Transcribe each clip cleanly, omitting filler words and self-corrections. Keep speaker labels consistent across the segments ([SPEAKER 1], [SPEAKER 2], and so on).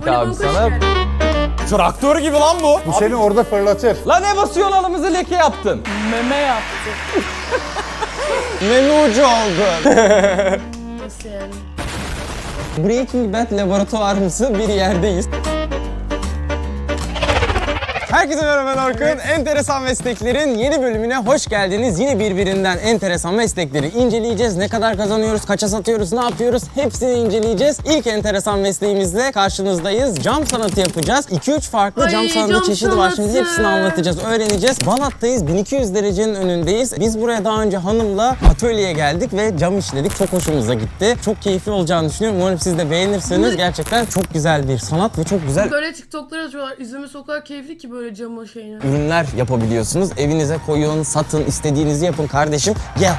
[SPEAKER 1] dedik abi sana. Traktör gibi lan bu.
[SPEAKER 2] Bu seni orada fırlatır.
[SPEAKER 1] Lan ne basıyorsun alımızı leke yaptın.
[SPEAKER 3] Meme yaptı.
[SPEAKER 1] Meme ucu oldu.
[SPEAKER 3] Nasıl yani?
[SPEAKER 1] Breaking Bad laboratuvarımsı bir yerdeyiz. Herkese merhaba ben Orkun. Enteresan Meslekler'in yeni bölümüne hoş geldiniz. Yine birbirinden enteresan meslekleri inceleyeceğiz. Ne kadar kazanıyoruz, kaça satıyoruz, ne yapıyoruz hepsini inceleyeceğiz. İlk enteresan mesleğimizle karşınızdayız. Cam sanatı yapacağız. 2-3 farklı cam sanatı
[SPEAKER 3] cam
[SPEAKER 1] çeşidi var. Şimdi
[SPEAKER 3] sanatı.
[SPEAKER 1] hepsini anlatacağız, öğreneceğiz. Balat'tayız, 1200 derecenin önündeyiz. Biz buraya daha önce hanımla atölyeye geldik ve cam işledik. Çok hoşumuza gitti. Çok keyifli olacağını düşünüyorum. Umarım siz de beğenirsiniz. Gerçekten çok güzel bir sanat ve çok güzel
[SPEAKER 3] Böyle TikTok'lara atıyorlar. İzlemesi o kadar keyifli ki böyle camı şeyini.
[SPEAKER 1] ürünler yapabiliyorsunuz. Evinize koyun, satın, istediğinizi yapın kardeşim. Gel.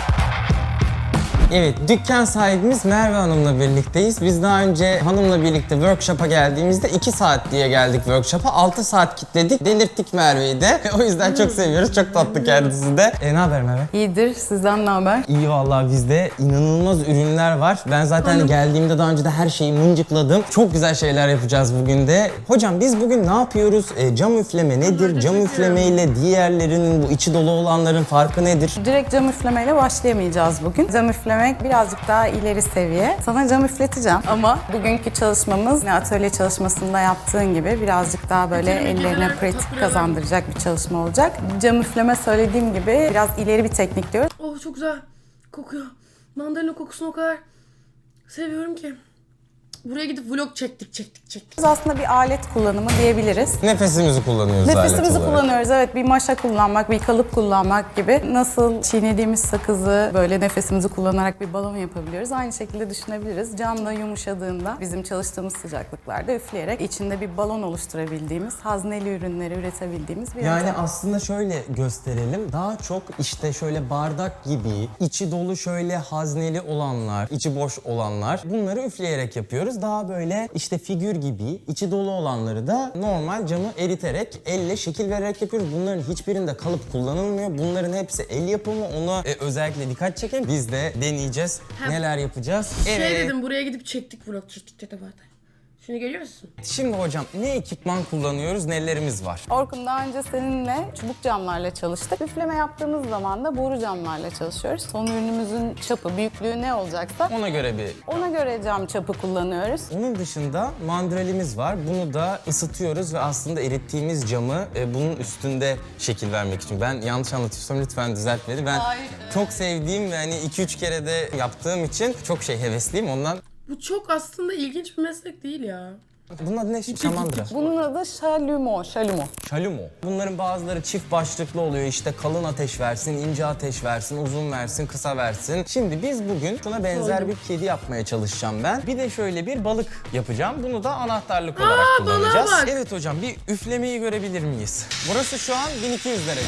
[SPEAKER 1] Evet, dükkan sahibimiz Merve Hanım'la birlikteyiz. Biz daha önce hanımla birlikte workshop'a geldiğimizde 2 saat diye geldik workshop'a. 6 saat kitledik, delirttik Merve'yi de. O yüzden çok seviyoruz, çok tatlı kendisi de. Ne haber Merve?
[SPEAKER 4] İyidir. Sizden ne haber?
[SPEAKER 1] İyi vallahi bizde inanılmaz ürünler var. Ben zaten geldiğimde daha önce de her şeyi mıncıkladım. Çok güzel şeyler yapacağız bugün de. Hocam biz bugün ne yapıyoruz? Cam üfleme nedir? Cam üfleme ile diğerlerinin bu içi dolu olanların farkı nedir?
[SPEAKER 4] Direkt cam üflemeyle başlayamayacağız bugün. Cam üflemek birazcık daha ileri seviye. Sana cam üfleteceğim ama bugünkü çalışmamız atölye çalışmasında yaptığın gibi birazcık daha böyle ellerine pratik kazandıracak bir çalışma olacak. Cam üfleme söylediğim gibi biraz ileri bir teknik diyoruz.
[SPEAKER 3] Oh çok güzel kokuyor. Mandalina kokusunu o kadar seviyorum ki. Buraya gidip vlog çektik.
[SPEAKER 4] Biz aslında bir alet kullanımı diyebiliriz.
[SPEAKER 1] Nefesimizi kullanıyoruz alet
[SPEAKER 4] Nefesimizi
[SPEAKER 1] olarak.
[SPEAKER 4] kullanıyoruz. Evet, bir maşa kullanmak, bir kalıp kullanmak gibi. Nasıl çiğnediğimiz sakızı böyle nefesimizi kullanarak bir balon yapabiliyoruz. Aynı şekilde düşünebiliriz. Cam da yumuşadığında bizim çalıştığımız sıcaklıklarda üfleyerek içinde bir balon oluşturabildiğimiz, hazneli ürünleri üretebildiğimiz bir
[SPEAKER 1] Yani
[SPEAKER 4] yöntem.
[SPEAKER 1] aslında şöyle gösterelim. Daha çok işte şöyle bardak gibi, içi dolu şöyle hazneli olanlar, içi boş olanlar bunları üfleyerek yapıyoruz. Daha böyle işte figür gibi, içi dolu olanları da normal camı eriterek, elle şekil vererek yapıyoruz. Bunların hiçbirinde kalıp kullanılmıyor. Bunların hepsi el yapımı. Ona özellikle dikkat çekin. Biz de deneyeceğiz. Neler yapacağız?
[SPEAKER 3] Şey dedim buraya gidip çektik vlog çektik de zaten. Şimdi geliyor musun?
[SPEAKER 1] Şimdi hocam ne ekipman kullanıyoruz, nelerimiz var?
[SPEAKER 4] Orkun, daha önce seninle çubuk camlarla çalıştık. Üfleme yaptığımız zaman da boru camlarla çalışıyoruz. Son ürünümüzün çapı, büyüklüğü ne olacaksa
[SPEAKER 1] Ona göre bir...
[SPEAKER 4] ona göre cam çapı kullanıyoruz.
[SPEAKER 1] Onun dışında mandrelimiz var. Bunu da ısıtıyoruz ve aslında erittiğimiz camı bunun üstünde şekil vermek için. Ben yanlış anlatıyorsam lütfen düzelt beni. Ben çok sevdiğim ve hani 2-3 kere de yaptığım için çok hevesliyim ondan.
[SPEAKER 3] Bu çok aslında ilginç bir meslek değil ya.
[SPEAKER 1] Bunun adı ne? Şamandıra.
[SPEAKER 4] Bunun adı şalumo.
[SPEAKER 1] Şalumo. Bunların bazıları çift başlıklı oluyor. İşte kalın ateş versin, ince ateş versin, uzun versin, kısa versin. Şimdi biz bugün şuna benzer bir kedi yapmaya çalışacağım ben. Bir de şöyle bir balık yapacağım. Bunu da anahtarlık olarak kullanacağız.
[SPEAKER 3] balığa bak.
[SPEAKER 1] Evet hocam, bir üflemeyi görebilir miyiz? Burası şu an 1200 derece.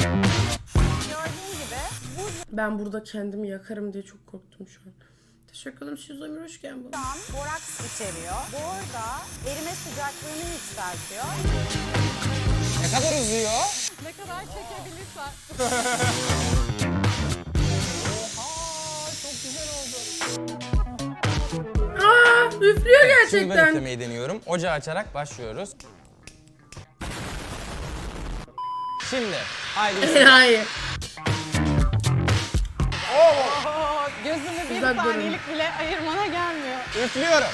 [SPEAKER 3] Ben burada kendimi yakarım diye çok korktum şu an. Teşekkür ederim. Siz Ömür hoş geldin.
[SPEAKER 4] Boraks içeriyor. Bor da erime sıcaklığını yükseltiyor.
[SPEAKER 1] Ne kadar uzuyor?
[SPEAKER 4] Ne kadar çekebilirsen.
[SPEAKER 3] Üflüyor
[SPEAKER 1] Şimdi ben
[SPEAKER 3] gerçekten.
[SPEAKER 1] üflemeyi deniyorum. Ocağı açarak başlıyoruz. Şimdi haydi üfle.
[SPEAKER 3] Hayır.
[SPEAKER 4] Gözümü bir
[SPEAKER 3] Uzak durun.
[SPEAKER 4] saniyelik bile ayırmana gelmiyor.
[SPEAKER 1] Üflüyorum.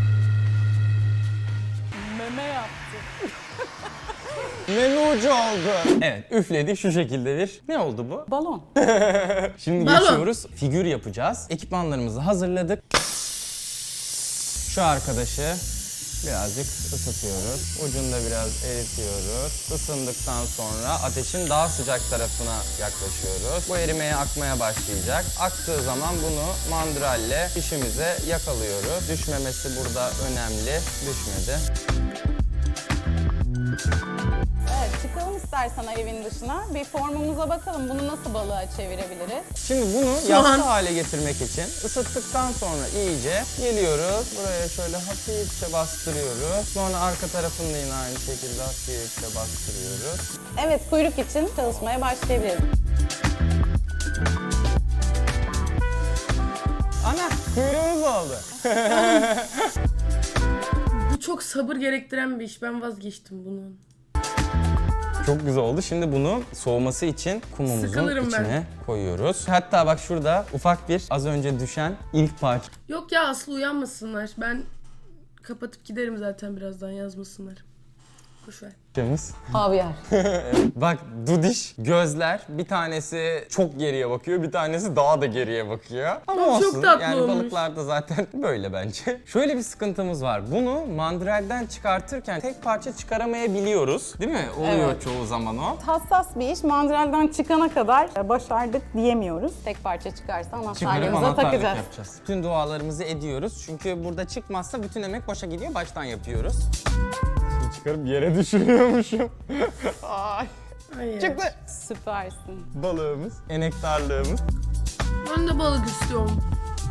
[SPEAKER 4] Meme yaptı.
[SPEAKER 1] Meme ucu oldu. Evet, üfledi şu şekilde bir. Ne oldu bu?
[SPEAKER 4] Balon.
[SPEAKER 1] Şimdi
[SPEAKER 3] Balon.
[SPEAKER 1] geçiyoruz. Figür yapacağız. Ekipmanlarımızı hazırladık. Şu arkadaşı birazcık ısıtıyoruz. Ucunda biraz eritiyoruz. Isındıktan sonra ateşin daha sıcak tarafına yaklaşıyoruz. Bu erimeye, akmaya başlayacak. Aktığı zaman bunu mandralle işimize yakalıyoruz. Düşmemesi burada önemli. Düşmedi.
[SPEAKER 4] Evet, çıkalım istersen evin dışına. Bir formumuza bakalım. Bunu nasıl balığa çevirebiliriz?
[SPEAKER 1] Şimdi bunu yassı hale getirmek için ısıttıktan sonra iyice geliyoruz. Buraya şöyle hafifçe bastırıyoruz. Sonra arka tarafını da yine aynı şekilde hafifçe bastırıyoruz.
[SPEAKER 4] Evet, kuyruk için çalışmaya başlayabiliriz.
[SPEAKER 1] Ana kuyruğumuz oldu.
[SPEAKER 3] çok sabır gerektiren bir iş. Ben vazgeçtim bunun.
[SPEAKER 1] Çok güzel oldu. Şimdi bunu soğuması için kumumuzun
[SPEAKER 3] Sıkılırım
[SPEAKER 1] içine koyuyoruz. Hatta bak şurada ufak bir az önce düşen ilk parça.
[SPEAKER 3] Yok ya Aslı uyanmasınlar. Ben kapatıp giderim zaten birazdan yazmasınlar. Boşver.
[SPEAKER 4] Havyar.
[SPEAKER 1] Bak dudiş gözler, bir tanesi çok geriye bakıyor, bir tanesi daha da geriye bakıyor. Ama
[SPEAKER 3] Çok
[SPEAKER 1] olsun
[SPEAKER 3] tatlı
[SPEAKER 1] yani
[SPEAKER 3] olmuş.
[SPEAKER 1] balıklarda zaten böyle bence. Şöyle bir sıkıntımız var. Bunu mandrelden çıkartırken tek parça çıkaramayabiliyoruz. Değil mi? Oluyor
[SPEAKER 4] Evet.
[SPEAKER 1] çoğu zaman o.
[SPEAKER 4] Hassas bir iş. Mandrelden çıkana kadar başardık diyemiyoruz. Tek parça çıkarsa
[SPEAKER 1] Çıkarıp
[SPEAKER 4] anahtarlığımıza
[SPEAKER 1] anahtarlık
[SPEAKER 4] takacağız.
[SPEAKER 1] yapacağız. Bütün dualarımızı ediyoruz. Çünkü burada çıkmazsa bütün emek boşa gidiyor. Baştan yapıyoruz. Çıkarıp yere düşürüyormuşum. Ay.
[SPEAKER 3] Hayır.
[SPEAKER 1] Çıktı.
[SPEAKER 4] Süpersin.
[SPEAKER 1] Balığımız, enektarlığımız.
[SPEAKER 3] Ben de balık istiyorum.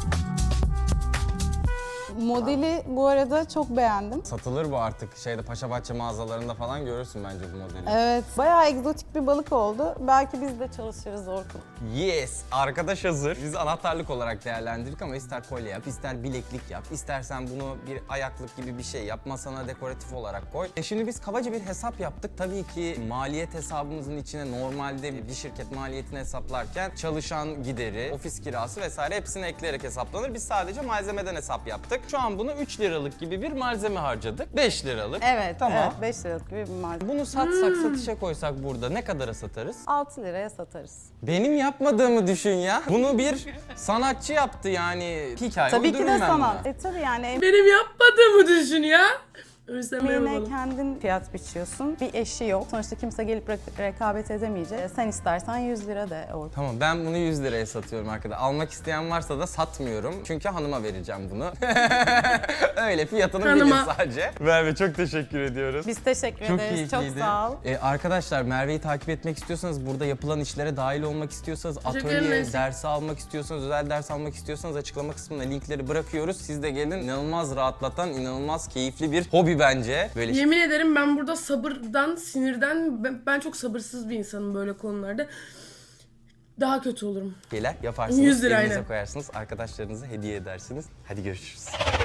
[SPEAKER 4] Modeli bu arada çok beğendim.
[SPEAKER 1] Satılır bu artık. Şeyde Paşabahçe mağazalarında falan görürsün bence bu modeli.
[SPEAKER 4] Evet, bayağı egzotik bir balık oldu. Belki biz de çalışırız Orkun.
[SPEAKER 1] Yes! Arkadaş hazır. Biz anahtarlık olarak değerlendirdik ama ister kolye yap, ister bileklik yap, istersen bunu bir ayaklık gibi bir şey yap, masana dekoratif olarak koy. Şimdi biz kabaca bir hesap yaptık. Tabii ki maliyet hesabımızın içine normalde bir şirket maliyetini hesaplarken çalışan gideri, ofis kirası vesaire hepsini ekleyerek hesaplanır. Biz sadece malzemeden hesap yaptık. Şu an bunu 3 liralık gibi bir malzeme harcadık. 5 liralık.
[SPEAKER 4] Evet,
[SPEAKER 1] Tamam.
[SPEAKER 4] evet 5 liralık gibi bir malzeme.
[SPEAKER 1] Bunu satsak, satışa koysak burada ne kadara satarız?
[SPEAKER 4] 6 liraya satarız.
[SPEAKER 1] Benim yapmadığımı düşün ya. Bunu bir sanatçı yaptı yani. Hikaye
[SPEAKER 4] Tabii ki de
[SPEAKER 1] uydururum ben
[SPEAKER 4] sanat.
[SPEAKER 1] buna.
[SPEAKER 4] Tabii yani
[SPEAKER 3] Benim yapmadığımı düşün ya. Öyleyse
[SPEAKER 4] emeğine
[SPEAKER 3] yapalım.
[SPEAKER 4] kendin fiyat biçiyorsun. Bir eşi yok. Sonuçta kimse gelip rekabet edemeyecek. Sen istersen 100 lira de Orkun.
[SPEAKER 1] Tamam ben bunu 100 liraya satıyorum arkadaşlar. Almak isteyen varsa da satmıyorum. Çünkü hanıma vereceğim bunu. Öyle fiyatını
[SPEAKER 3] Hanıma.
[SPEAKER 1] bilir sadece. Merve çok teşekkür ediyoruz.
[SPEAKER 4] Biz teşekkür
[SPEAKER 1] Çok
[SPEAKER 4] ederiz. Çok
[SPEAKER 1] keyifliydi.
[SPEAKER 4] sağ ol.
[SPEAKER 1] Arkadaşlar Merve'yi takip etmek istiyorsanız, burada yapılan işlere dahil olmak istiyorsanız, atölye
[SPEAKER 3] ederiz.
[SPEAKER 1] dersi almak istiyorsanız, özel ders almak istiyorsanız açıklama kısmına linkleri bırakıyoruz. Siz de gelin. İnanılmaz rahatlatan, inanılmaz keyifli bir hobi bence. Böyle
[SPEAKER 3] Yemin ederim ben burada sabırdan, sinirden, ben çok sabırsız bir insanım böyle konularda. Daha kötü olurum.
[SPEAKER 1] şeyler yaparsınız.
[SPEAKER 3] 100 lira
[SPEAKER 1] Evinize
[SPEAKER 3] aynen.
[SPEAKER 1] koyarsınız, arkadaşlarınıza hediye edersiniz. Hadi görüşürüz.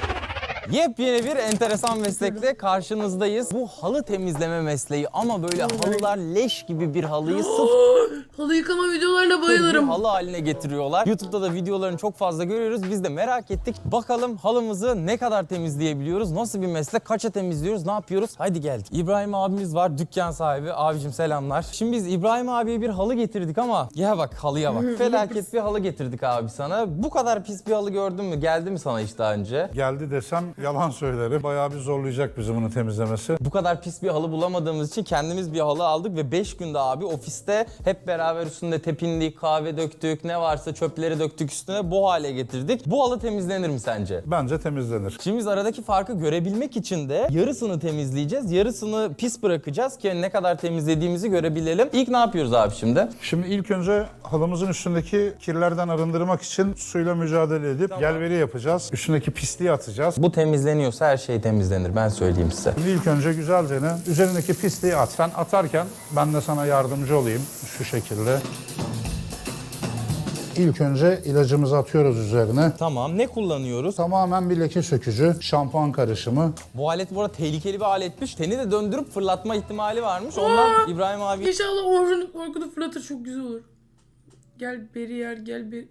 [SPEAKER 1] Yepyeni bir enteresan meslekle karşınızdayız. Bu halı temizleme mesleği ama böyle halılar leş gibi bir halıyı sırf
[SPEAKER 3] Halı yıkama videolarına
[SPEAKER 1] bir
[SPEAKER 3] bayılırım.
[SPEAKER 1] halı haline getiriyorlar. YouTube'da da videolarını çok fazla görüyoruz. Biz de merak ettik. Bakalım halımızı ne kadar temizleyebiliyoruz? Nasıl bir meslek? Kaça temizliyoruz? Ne yapıyoruz? Haydi geldik. İbrahim abimiz var, dükkan sahibi. Abicim selamlar. Şimdi biz İbrahim abiye bir halı getirdik ama ya bak halıya bak. Felaket bir halı getirdik abi sana. Bu kadar pis bir halı gördün mü? Geldi mi sana hiç daha önce?
[SPEAKER 2] Geldi desem yalan söylerim. Bayağı bir zorlayacak bizi bunu temizlemesi.
[SPEAKER 1] Bu kadar pis bir halı bulamadığımız için kendimiz bir halı aldık ve 5 günde abi ofiste hep beraber üstünde tepindik, kahve döktük, ne varsa çöpleri döktük üstüne bu hale getirdik. Bu halı temizlenir mi sence?
[SPEAKER 2] Bence temizlenir.
[SPEAKER 1] Şimdi biz aradaki farkı görebilmek için de yarısını temizleyeceğiz, yarısını pis bırakacağız ki ne kadar temizlediğimizi görebilelim. İlk ne yapıyoruz abi şimdi?
[SPEAKER 2] Şimdi ilk önce halımızın üstündeki kirlerden arındırmak için suyla mücadele edip gelveri yapacağız. Üstündeki pisliği atacağız.
[SPEAKER 1] Bu temizleniyorsa her şey temizlenir, ben söyleyeyim size.
[SPEAKER 2] Şimdi ilk önce güzelce üzerindeki pisliği at. Sen atarken ben de sana yardımcı olayım şu şekilde. İlk önce ilacımızı atıyoruz üzerine.
[SPEAKER 1] Tamam, ne kullanıyoruz?
[SPEAKER 2] Tamamen bir leke sökücü, şampuan karışımı.
[SPEAKER 1] Bu alet bu arada tehlikeli bir aletmiş. Teni de döndürüp fırlatma ihtimali varmış. Ondan İbrahim abi
[SPEAKER 3] İnşallah Orkun'u fırlatır, çok güzel olur. Gel beri yer, gel beri.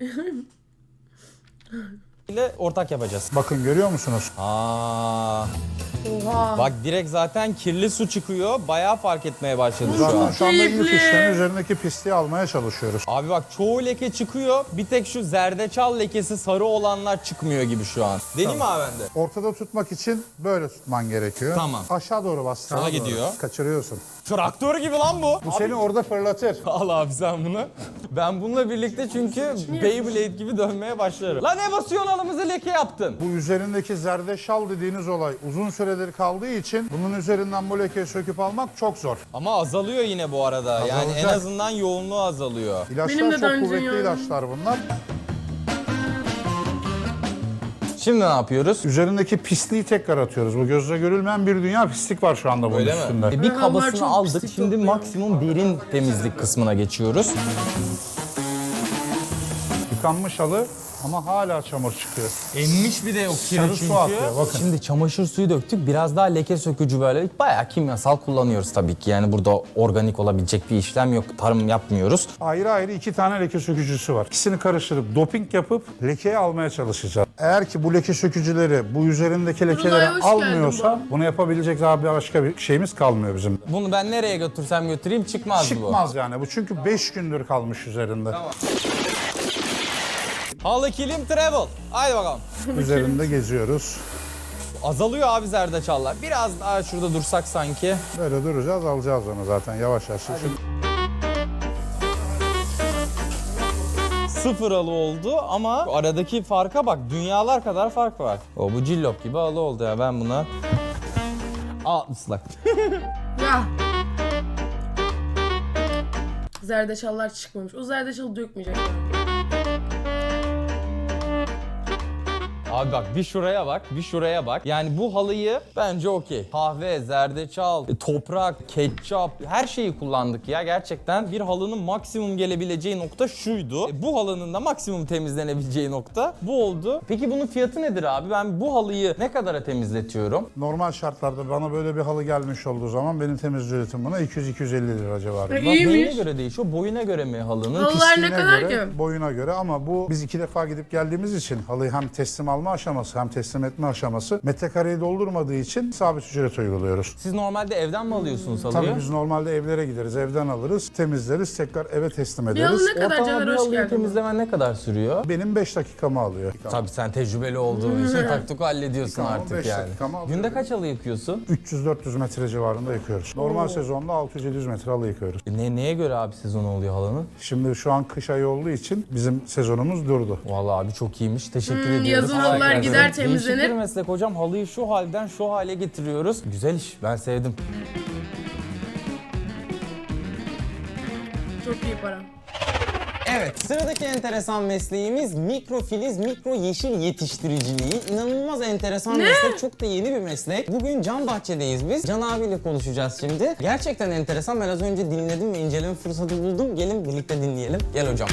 [SPEAKER 1] ile ortak yapacağız.
[SPEAKER 2] Bakın görüyor musunuz?
[SPEAKER 1] Aa,
[SPEAKER 3] Oha.
[SPEAKER 1] bak direkt zaten kirli su çıkıyor. Bayağı fark etmeye başladı şu
[SPEAKER 2] Zaten
[SPEAKER 1] an.
[SPEAKER 2] şu anda ilk
[SPEAKER 3] Keyifli.
[SPEAKER 2] işlemi üzerindeki pisliği almaya çalışıyoruz.
[SPEAKER 1] Abi bak çoğu leke çıkıyor. Bir tek şu zerdeçal lekesi sarı olanlar çıkmıyor gibi şu an. Deneyim mi abi ben de?
[SPEAKER 2] Ortada tutmak için böyle tutman gerekiyor.
[SPEAKER 1] Tamam.
[SPEAKER 2] Aşağı doğru bas. sağa
[SPEAKER 1] Sola
[SPEAKER 2] doğru.
[SPEAKER 1] gidiyor.
[SPEAKER 2] Kaçırıyorsun.
[SPEAKER 1] Traktör gibi lan bu.
[SPEAKER 2] Bu seni orada fırlatır.
[SPEAKER 1] Al abi sen bunu. Ben bununla birlikte çünkü Beyblade gibi dönmeye başlarım. Lan ne basıyorsun halımızı leke yaptın?
[SPEAKER 2] Bu üzerindeki zerdeçal dediğiniz olay uzun süredir kaldığı için bunun üzerinden bu lekeyi söküp almak çok zor.
[SPEAKER 1] Ama azalıyor yine bu arada. Yani en
[SPEAKER 2] Azalacak.
[SPEAKER 1] azından yoğunluğu azalıyor.
[SPEAKER 3] Benim de
[SPEAKER 2] İlaçlar çok
[SPEAKER 3] daha önce
[SPEAKER 2] kuvvetli
[SPEAKER 3] yani.
[SPEAKER 2] ilaçlar bunlar.
[SPEAKER 1] Şimdi ne yapıyoruz?
[SPEAKER 2] Üzerindeki pisliği tekrar atıyoruz. Bu gözle görülmeyen bir dünya pislik var şu anda bunun
[SPEAKER 1] Öyle
[SPEAKER 2] üstünde.
[SPEAKER 1] mi? Bir
[SPEAKER 3] Rakamlar
[SPEAKER 1] kabasını
[SPEAKER 3] çok
[SPEAKER 1] aldık.
[SPEAKER 3] pislik
[SPEAKER 1] Şimdi
[SPEAKER 3] topluyor.
[SPEAKER 1] maksimum derin temizlik kısmına geçiyoruz.
[SPEAKER 2] yıkanmış halı ama hala çamur çıkıyor.
[SPEAKER 1] Emmiş bir de o kiri
[SPEAKER 2] Sarı
[SPEAKER 1] çünkü.
[SPEAKER 2] su akıyor, bakın.
[SPEAKER 1] Şimdi çamaşır suyu döktük. Biraz daha leke sökücü böyle. Bayağı kimyasal kullanıyoruz tabii ki. Yani burada organik olabilecek bir işlem yok. Tarım yapmıyoruz.
[SPEAKER 2] Ayrı ayrı 2 tane leke sökücüsü var. İkisini karıştırıp doping yapıp lekeyi almaya çalışacağız. Eğer ki bu leke sökücüleri bu üzerindeki lekeleri
[SPEAKER 3] hoş
[SPEAKER 2] almıyorsa
[SPEAKER 3] geldin
[SPEAKER 2] bunu yapabilecek daha başka bir şeyimiz kalmıyor bizim.
[SPEAKER 1] Bunu ben nereye götürsem götüreyim çıkmaz bu.
[SPEAKER 2] Çıkmaz yani bu çünkü 5 gündür kalmış üzerinde.
[SPEAKER 1] Halı kilim travel. Haydi bakalım.
[SPEAKER 2] Üzerinde geziyoruz.
[SPEAKER 1] Azalıyor abi zerdeçallar. Biraz daha şurada dursak sanki.
[SPEAKER 2] Böyle duracağız, alacağız onu zaten yavaş yavaş.
[SPEAKER 1] Sıfır halı oldu ama aradaki farka bak. Dünyalar kadar fark var. O bu cillop gibi halı oldu ya ben buna. Islak.
[SPEAKER 3] Ya. Zerdeçallar çıkmamış. O zerdeçalı dökmeyecek.
[SPEAKER 1] Abi bak bir şuraya bak, bir şuraya bak. Yani bu halıyı bence okey. Kahve, zerdeçal, toprak, ketçap her şeyi kullandık ya. Gerçekten bir halının maksimum gelebileceği nokta şuydu. Bu halının da maksimum temizlenebileceği nokta bu oldu. Peki bunun fiyatı nedir abi? Ben bu halıyı ne kadara temizletiyorum?
[SPEAKER 2] Normal şartlarda bana böyle bir halı gelmiş olduğu zaman benim temizlik ücretim buna 200-250 lira civarında.
[SPEAKER 3] İyi. İyiymiş.
[SPEAKER 1] Neyine göre değişiyor? Boyuna göre mi halının?
[SPEAKER 3] Halılar ne
[SPEAKER 2] Pisliğine
[SPEAKER 3] kadar
[SPEAKER 2] göre,
[SPEAKER 3] ki?
[SPEAKER 2] boyuna göre ama bu biz 2 defa gidip geldiğimiz için halıyı hem teslim alma aşaması hem teslim etme aşaması metrekareyi doldurmadığı için sabit ücret uyguluyoruz.
[SPEAKER 1] Siz normalde evden mi alıyorsunuz halıyı?
[SPEAKER 2] Tabii biz normalde evlere gideriz, evden alırız, temizleriz, tekrar eve teslim
[SPEAKER 3] Bir
[SPEAKER 2] ederiz.
[SPEAKER 3] halı ne kadar
[SPEAKER 1] Ortalama
[SPEAKER 3] Caner,
[SPEAKER 1] bir
[SPEAKER 3] hoş
[SPEAKER 1] halıyı
[SPEAKER 3] geldin.
[SPEAKER 1] temizlemen ne kadar sürüyor?
[SPEAKER 2] Benim 5 dakikamı alıyor.
[SPEAKER 1] Tabii sen tecrübeli olduğun için taktik hallediyorsun
[SPEAKER 2] Tamam,
[SPEAKER 1] artık
[SPEAKER 2] 5
[SPEAKER 1] yani.
[SPEAKER 2] dakikamı alıyor.
[SPEAKER 1] Günde kaç halı yıkıyorsun?
[SPEAKER 2] 300-400 metre civarında yıkıyoruz. Normal sezonda 600-700 metre halı yıkıyoruz.
[SPEAKER 1] Neye göre abi sezon oluyor halının?
[SPEAKER 2] Şimdi şu an kış ayı olduğu için bizim sezonumuz durdu.
[SPEAKER 1] Vallahi abi çok iyiymiş. Teşekkür ediyoruz.
[SPEAKER 3] yazın
[SPEAKER 1] Allah
[SPEAKER 3] halılar
[SPEAKER 1] razı
[SPEAKER 3] gider,
[SPEAKER 1] olsun.
[SPEAKER 3] temizlenir.
[SPEAKER 1] Değişik bir meslek hocam. Halıyı şu halden şu hale getiriyoruz. Güzel iş. Ben sevdim.
[SPEAKER 3] Çok iyi para.
[SPEAKER 1] Evet, sıradaki enteresan mesleğimiz mikrofiliz, mikro yeşil yetiştiriciliği. İnanılmaz enteresan meslek, çok da yeni bir meslek. Bugün Can Bahçe'deyiz biz. Can abiyle konuşacağız şimdi. Gerçekten enteresan. Ben az önce dinledim ve inceleme fırsatı buldum. Gelin birlikte dinleyelim. Gel hocam.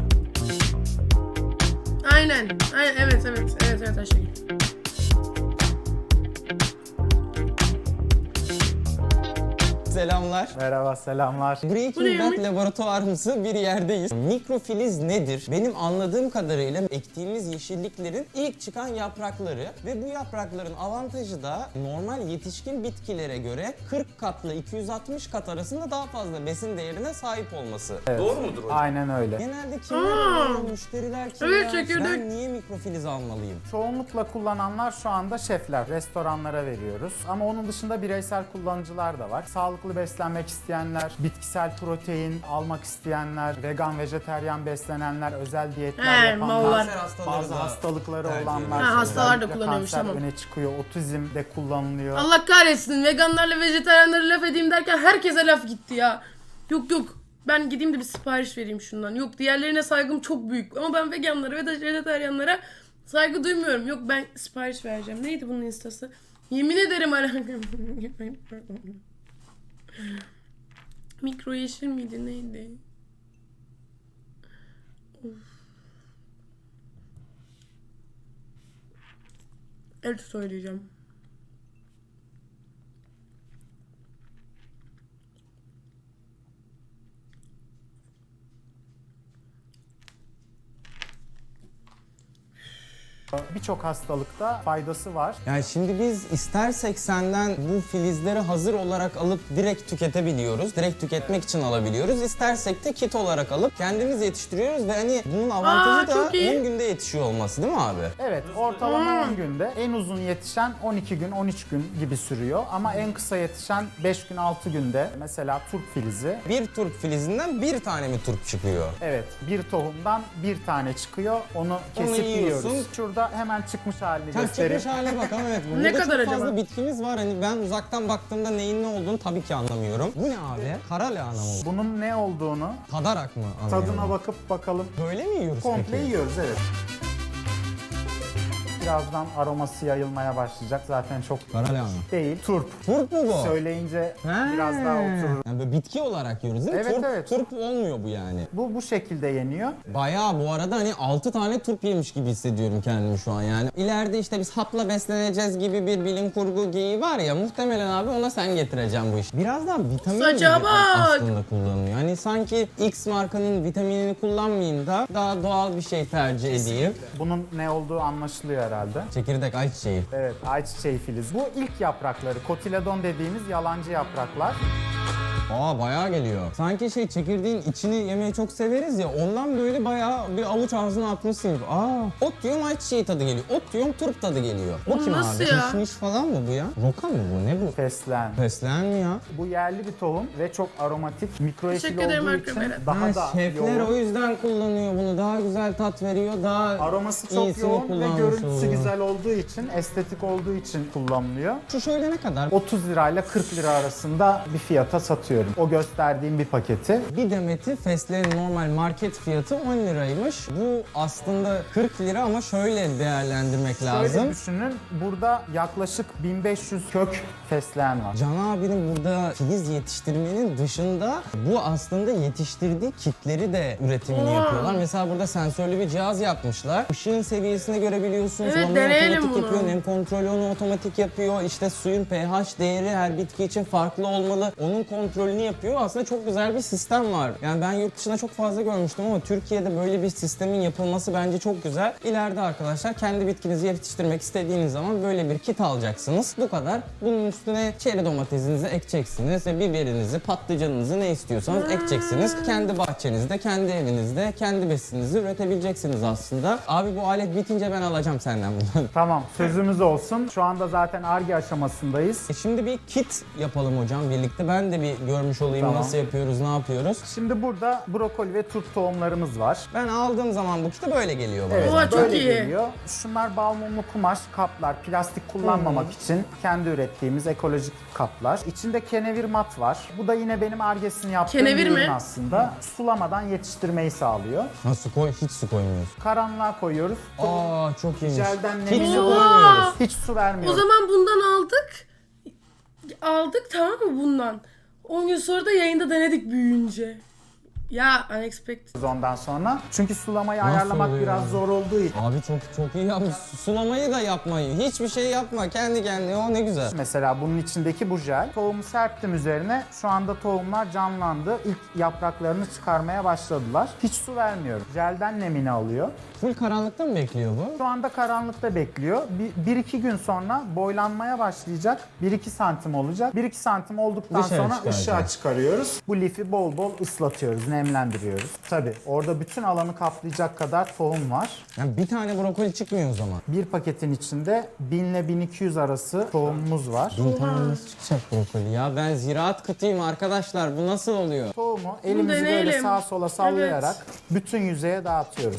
[SPEAKER 3] Aynen. Aynen. Evet Ayşegül.
[SPEAKER 1] Selamlar.
[SPEAKER 5] Merhaba, selamlar.
[SPEAKER 1] Breaking Bad laboratuvarımsı bir yerdeyiz. Mikrofiliz nedir? Benim anladığım kadarıyla ektiğimiz yeşilliklerin ilk çıkan yaprakları ve bu yaprakların avantajı da normal yetişkin bitkilere göre 40 katla 260 kat arasında daha fazla besin değerine sahip olması. Doğru mudur hocam?
[SPEAKER 5] Aynen öyle.
[SPEAKER 1] Genelde kimler alıyor, müşteriler kimler?
[SPEAKER 3] Evet, çekirdek.
[SPEAKER 1] Ben niye mikrofiliz almalıyım?
[SPEAKER 5] Çoğunlukla kullananlar şu anda şefler, restoranlara veriyoruz. Ama onun dışında bireysel kullanıcılar da var. Sağlıklı beslenmek isteyenler, bitkisel protein almak isteyenler, vegan, vejeteryan beslenenler, özel diyetler yapanlar,
[SPEAKER 3] mallar.
[SPEAKER 5] bazı hastalıkları olanlar.
[SPEAKER 3] Ha, hastalar da
[SPEAKER 5] özellikle
[SPEAKER 3] kullanıyormuş,
[SPEAKER 5] kanser
[SPEAKER 3] tamam.
[SPEAKER 5] öne çıkıyor, otizm de kullanılıyor.
[SPEAKER 3] Allah kahretsin. Veganlarla vejetaryenlere laf edeyim derken herkese laf gitti ya. Yok. Ben gideyim de bir sipariş vereyim şundan. Yok, diğerlerine saygım çok büyük. Ama ben veganlara ve vejetaryenlere saygı duymuyorum. Yok, ben sipariş vereceğim. Neydi bunun instası? Yemin ederim alakam. Mikro yeşil miydi neydi? Of. Evet, söyleyeceğim.
[SPEAKER 5] Birçok hastalıkta faydası var.
[SPEAKER 1] Yani şimdi biz istersek senden bu filizleri hazır olarak alıp direkt tüketebiliyoruz. Direkt tüketmek için alabiliyoruz. İstersek de kit olarak alıp kendimiz yetiştiriyoruz ve hani bunun avantajı da
[SPEAKER 3] çok iyi.
[SPEAKER 1] 10 günde yetişiyor olması değil mi abi?
[SPEAKER 5] Evet, ortalama 10 günde. En uzun yetişen 12 gün, 13 gün gibi sürüyor. Ama en kısa yetişen 5 gün, 6 günde. Mesela turp filizi.
[SPEAKER 1] Bir turp filizinden bir tane mi turp çıkıyor?
[SPEAKER 5] Evet, bir tohumdan bir tane çıkıyor. Onu kesip
[SPEAKER 1] yiyorsun.
[SPEAKER 5] yiyoruz. Şurada hemen çıkmış halini
[SPEAKER 1] Tam
[SPEAKER 5] göstereyim.
[SPEAKER 1] çıkmış hale bakalım, evet. Burada
[SPEAKER 3] Ne
[SPEAKER 1] çok
[SPEAKER 3] kadar
[SPEAKER 1] fazla
[SPEAKER 3] acaba?
[SPEAKER 1] bitkimiz var. Hani ben uzaktan baktığımda neyin ne olduğunu tabii ki anlamıyorum. Bu ne abi? Kara lahana mı?
[SPEAKER 5] Bunun ne olduğunu
[SPEAKER 1] Tadarak mı anlıyorum?
[SPEAKER 5] tadına bakıp bakalım.
[SPEAKER 1] Böyle mi yiyoruz
[SPEAKER 5] Komple
[SPEAKER 1] peki?
[SPEAKER 5] yiyoruz, evet. Birazdan aroması yayılmaya başlayacak. Zaten çok
[SPEAKER 1] Kara lahana.
[SPEAKER 5] değil. Turp.
[SPEAKER 1] Turp mu bu?
[SPEAKER 5] Söyleyince
[SPEAKER 1] Ha.
[SPEAKER 5] biraz daha oturur.
[SPEAKER 1] Yani böyle bitki olarak yiyoruz değil mi?
[SPEAKER 5] Evet,
[SPEAKER 1] turp,
[SPEAKER 5] evet.
[SPEAKER 1] turp olmuyor bu yani.
[SPEAKER 5] Bu şekilde yeniyor.
[SPEAKER 1] Bayağı bu arada hani 6 tane turp yemiş gibi hissediyorum kendimi şu an yani. İleride işte biz hapla besleneceğiz gibi bir bilim kurgu geyiği var ya, muhtemelen abi ona sen getireceksin bu işi. Biraz daha vitamin
[SPEAKER 3] Saça
[SPEAKER 1] gibi
[SPEAKER 3] bak!
[SPEAKER 1] aslında kullanılıyor. Hani sanki X markanın vitaminini kullanmayayım da daha doğal bir şey tercih edeyim.
[SPEAKER 5] Bunun ne olduğu anlaşılıyor herhalde.
[SPEAKER 1] Çekirdek ayçiçeği.
[SPEAKER 5] Evet, ayçiçeği filizi. Bu ilk yaprakları, kotiledon dediğimiz yalancı yapraklar.
[SPEAKER 1] Aa bayağı geliyor. Sanki çekirdeğin içini yemeyi çok severiz ya, ondan böyle bayağı bir avuç ağzına atmışsın gibi. Ot diyorum ayçiçeği tadı geliyor. Ot diyorum turp tadı geliyor. Bu kim
[SPEAKER 3] nasıl
[SPEAKER 1] abi?
[SPEAKER 3] ya?
[SPEAKER 1] Kişniş falan mı bu ya? Roka mı bu? Ne bu?
[SPEAKER 5] Fesleğen.
[SPEAKER 1] Fesleğen mi ya?
[SPEAKER 5] Bu yerli bir tohum ve çok aromatik, mikroefil
[SPEAKER 3] Teşekkür ederim
[SPEAKER 5] olduğu
[SPEAKER 3] Erkan
[SPEAKER 5] için
[SPEAKER 3] Berat.
[SPEAKER 5] daha da
[SPEAKER 1] şefler
[SPEAKER 5] yoğun.
[SPEAKER 1] o yüzden kullanıyor bunu. Daha güzel tat veriyor. Daha
[SPEAKER 5] Aroması çok
[SPEAKER 1] iyisini
[SPEAKER 5] yoğun ve
[SPEAKER 1] kullanmış
[SPEAKER 5] görüntüsü
[SPEAKER 1] oluyor.
[SPEAKER 5] güzel olduğu için, estetik olduğu için kullanılıyor.
[SPEAKER 1] Şu şöyle ne kadar?
[SPEAKER 5] 30 lirayla 40 lira arasında bir fiyata satıyorum. O gösterdiğim bir paketi.
[SPEAKER 1] Bir demeti fesleğen normal market fiyatı 10 liraymış. Bu aslında 40 lira ama şöyle değerlendirmek lazım.
[SPEAKER 5] Şöyle düşünün, burada yaklaşık 1500 kök fesleğen var.
[SPEAKER 1] Can abinin burada filiz yetiştirmenin dışında bu aslında yetiştirdiği kitleri de üretimini yapıyorlar. Mesela burada sensörlü bir cihaz yapmışlar. Işığın seviyesini görebiliyorsun.
[SPEAKER 3] Evet,
[SPEAKER 1] Sulamayı
[SPEAKER 3] deneyelim
[SPEAKER 1] otomatik
[SPEAKER 3] bunu.
[SPEAKER 1] yapıyor. Nem kontrolü onu otomatik yapıyor. İşte suyun pH değeri her bitki için farklı olmalı. Onun kontrolünü yapıyor. Aslında çok güzel bir sistem var. Yani ben yurt dışında çok fazla görmüştüm ama Türkiye'de böyle bir sistemin yapılması bence çok güzel. İleride arkadaşlar kendi bitkinizi yetiştirmek istediğiniz zaman böyle bir kit alacaksınız. Bu kadar. Bunun üstüne çeri domatesinizi ekeceksiniz ve biberinizi, patlıcanınızı ne istiyorsanız ekeceksiniz. Kendi bahçenizde, kendi evinizde, kendi besininizi üretebileceksiniz aslında. Abi bu alet bitince ben alacağım senden bunu.
[SPEAKER 5] Tamam, sözümüz olsun. Şu anda zaten Ar-Ge aşamasındayız.
[SPEAKER 1] Şimdi bir kit yapalım hocam birlikte. Ben de bir görmüş olayım
[SPEAKER 5] Tamam.
[SPEAKER 1] nasıl yapıyoruz, ne yapıyoruz.
[SPEAKER 5] Şimdi burada brokoli ve turp tohumlarımız var.
[SPEAKER 1] Ben aldığım zaman bu kiti böyle geliyor bana.
[SPEAKER 5] Evet,
[SPEAKER 3] Oha, çok
[SPEAKER 5] böyle
[SPEAKER 3] iyi.
[SPEAKER 5] geliyor. Şunlar bal mumlu kumaş kaplar, plastik kullanmamak için kendi ürettiğimiz ekolojik kaplar. İçinde kenevir mat var. Bu da yine benim Ar-Ge'sini yaptığım
[SPEAKER 3] Kenevir
[SPEAKER 5] bir ürün
[SPEAKER 3] mi?
[SPEAKER 5] aslında. Sulamadan yetiştirmeyi sağlıyor.
[SPEAKER 1] Ha, hiç su koymuyoruz.
[SPEAKER 5] Karanlığa koyuyoruz.
[SPEAKER 1] Aa çok iyiymiş.
[SPEAKER 5] Jelden
[SPEAKER 1] Hiç
[SPEAKER 5] nemini
[SPEAKER 1] su
[SPEAKER 3] Oha!
[SPEAKER 1] koymuyoruz.
[SPEAKER 5] hiç su
[SPEAKER 3] O
[SPEAKER 5] vermiyoruz.
[SPEAKER 3] zaman bundan aldık. Aldık tamam mı bundan? 10 gün sonra da yayında denedik büyüyünce. Ya unexpected.
[SPEAKER 5] Ondan sonra. Çünkü sulamayı
[SPEAKER 1] Nasıl
[SPEAKER 5] ayarlamak
[SPEAKER 1] oluyor
[SPEAKER 5] biraz
[SPEAKER 1] ya?
[SPEAKER 5] zor olduğu için.
[SPEAKER 1] Abi çok iyi yapmış. Sulamayı da yapmayı. Hiçbir şey yapma. Kendi kendine o ne güzel.
[SPEAKER 5] Mesela bunun içindeki bu jel. Tohumu serptim üzerine. Şu anda tohumlar canlandı. İlk yapraklarını çıkarmaya başladılar. Hiç su vermiyorum. Jelden nemini alıyor.
[SPEAKER 1] Full karanlıkta mı bekliyor bu?
[SPEAKER 5] Şu anda karanlıkta bekliyor. 1-2 gün sonra boylanmaya başlayacak. 1-2 santim olacak. 1-2 santim olduktan
[SPEAKER 1] Dışarı
[SPEAKER 5] sonra
[SPEAKER 1] çıkaracak.
[SPEAKER 5] ışığa çıkarıyoruz. Bu lifi bol bol ıslatıyoruz, nemlendiriyoruz. Tabii orada bütün alanı kaplayacak kadar tohum var.
[SPEAKER 1] Yani bir tane brokoli çıkmıyor o zaman.
[SPEAKER 5] Bir paketin içinde 1000 ile 1200 arası tohumumuz var.
[SPEAKER 1] 1000 tane nasıl çıkacak brokoli ya? Ben ziraat kıtıyım arkadaşlar. Bu nasıl oluyor?
[SPEAKER 5] Tohumu elimizi böyle
[SPEAKER 3] deneyelim.
[SPEAKER 5] sağa sola sallayarak
[SPEAKER 3] Evet.
[SPEAKER 5] bütün yüzeye dağıtıyoruz.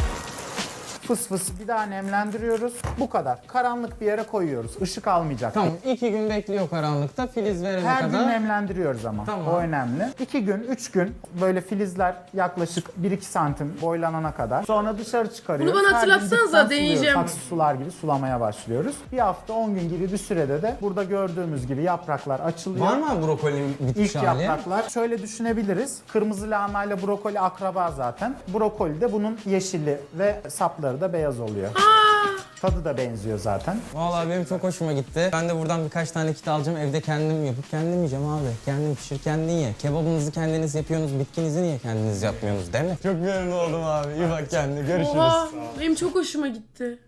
[SPEAKER 5] Fıs fıs bir daha nemlendiriyoruz. Bu kadar. Karanlık bir yere koyuyoruz. Işık almayacak.
[SPEAKER 1] Tamam 2 gün bekliyor karanlıkta. Filiz verene
[SPEAKER 5] Her gün
[SPEAKER 1] kadar.
[SPEAKER 5] nemlendiriyoruz ama.
[SPEAKER 1] Tamam.
[SPEAKER 5] O önemli. 2 gün, 3 gün böyle filizler yaklaşık 1-2 santim boylanana kadar. Sonra dışarı çıkarıyoruz.
[SPEAKER 3] Bunu bana
[SPEAKER 5] Her gün
[SPEAKER 3] hatırlatsanıza,
[SPEAKER 5] dipten
[SPEAKER 3] deneyeceğim.
[SPEAKER 5] suluyoruz. Saksı sular gibi sulamaya başlıyoruz. Bir hafta 10 gün gibi bir sürede de burada gördüğümüz gibi yapraklar açılıyor.
[SPEAKER 1] Var mı brokolinin bitmiş
[SPEAKER 5] İlk
[SPEAKER 1] hali?
[SPEAKER 5] yapraklar şöyle düşünebiliriz. Kırmızı lahana ile brokoli akraba zaten. Brokoli de bunun yeşili ve sapları da beyaz oluyor. Tadı da benziyor zaten.
[SPEAKER 1] Vallahi benim çok hoşuma gitti. Ben de buradan birkaç tane kit alacağım. Evde kendim yapıp kendim yiyeceğim abi. Kendin pişir, kendin ye. Kebabınızı kendiniz yapıyorsunuz. Bitkinizi niye kendiniz yapmıyorsunuz değil mi? Çok memnun oldum abi. İyi bak kendine. Görüşürüz.
[SPEAKER 3] Oha benim çok hoşuma gitti.